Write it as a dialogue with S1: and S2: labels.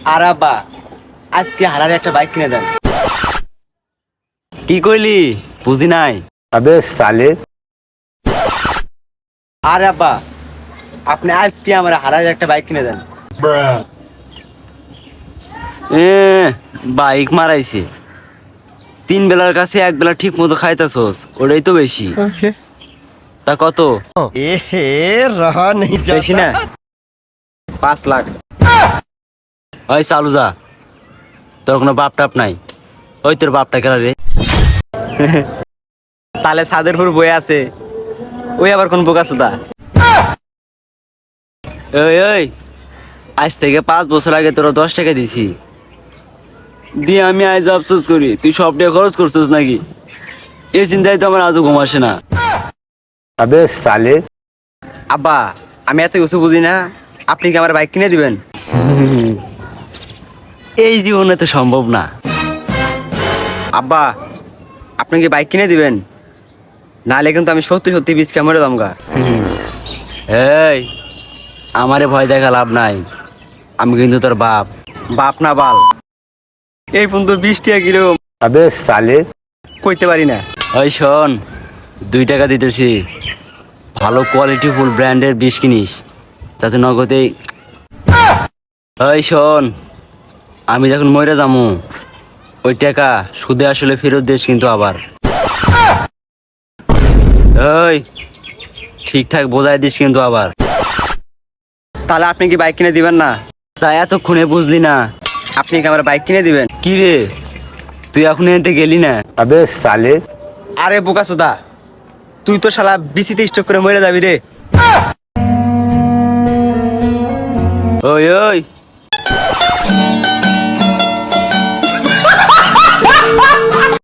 S1: আর আব্বা আজকে হালারে একটা বাইক কিনে দেন।
S2: কি কইলি বুঝি নাই।
S3: अबे साले
S1: আর আব্বা আপনি আজকে আমার হালারে একটা বাইক কিনে দেন।
S2: এ বাইক মারাইছে, 3 বেলার কাছে 1 বেলা ঠিক মতো খাইতাছস, ওটাই তো বেশি। তা কত?
S1: रहा नहीं বেশি না, 5 লাখ।
S2: ওই চালু যা, তোর কোনো বাপ টাপ নাই। ওই তোর বাপটা কেলা রে?
S1: তাহলে সাদেরপুর বয়ে আছে, ওই আবার কোন বোকা সুদা?
S2: ওই ওই আজ থেকে 5 বছর আগে তোরা 10 টাকা দিছি, দিয়ে আমি আজ আফসোস করি তুই সব টাকা খরচ করছিস নাকি? এই চিন্তায় তো আমার আজও ঘুম আসে না।
S3: अबे साले
S1: আব্বা আমি এত কিছু বুঝি না, আপনি কি আমার বাইক কিনে দিবেন?
S2: এই জীবনে তো সম্ভব না।
S1: আব্বা আপনি কি বাইক কিনে দিবেন? নাহলে কিন্তু আমি সত্যি সত্যি বিষ মরে দামগা।
S2: এই আমারে ভয় দেখা লাভ নাই, আমি কিন্তু তোর বাপ।
S1: বাপ না বাল, এই ফোন তো 20 টাকা কিরকম
S3: अबे साले
S1: কইতে পারি না।
S2: ওই শোন, 2 টাকা দিতেছি, ভালো কোয়ালিটি ফুল ব্র্যান্ডের বিষ কিনিস যাতে নগদেই। ওই শোন, আমি যখন মরে যামু ওই টাকা সুদে আসলে ফেরত দিস কিন্তু আবার। ওই ঠিকঠাক বোঝাই দিস কিন্তু আবার।
S1: তাহলে আপনি কি বাইক কিনে দিবেন না?
S2: তাই এতক্ষণে বুঝলি না?
S1: আপনি কি আমার বাইক কিনে দিবেন?
S2: কি রে, তুই এখন এতে গেলি না?
S3: अबे साले
S1: আরে বোকা সুদা, তুই তো শালা বিসিতে স্টক করে মরে যাবি রে।
S2: ওই ওই